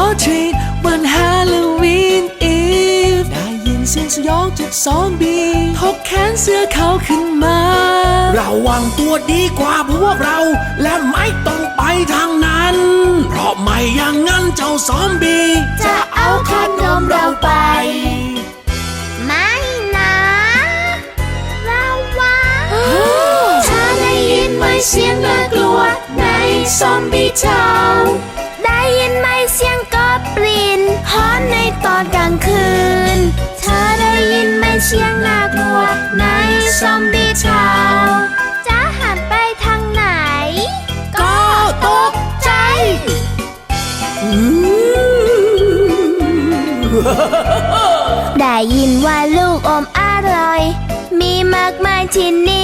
treat วันฮาโลวีนอีฟได้ยินเสียงสยองจากซอมบี้ถกแขนเสื้อเขาขึ้นมาระวังตัวดีกว่าพวกเราและไม่ต้องไปทางนั้นเพราะไม่อย่างนั้นเจ้าซอมบี้จะเอาขนมเราไปไม่นะระวังถ้าได้ยินไหมเสียงน่ากลัวในซอมบี้เช้าได้ยินไหมเสียงกอบลินฮอนในตอนกลางคืนเธอได้ยินไหมเสียงน่ากลัวในซอมบี้เช้าจะหันไปทางไหนก็ตกใจได้ยินว่าลูกอมอร่อยมีมากมายที่นี่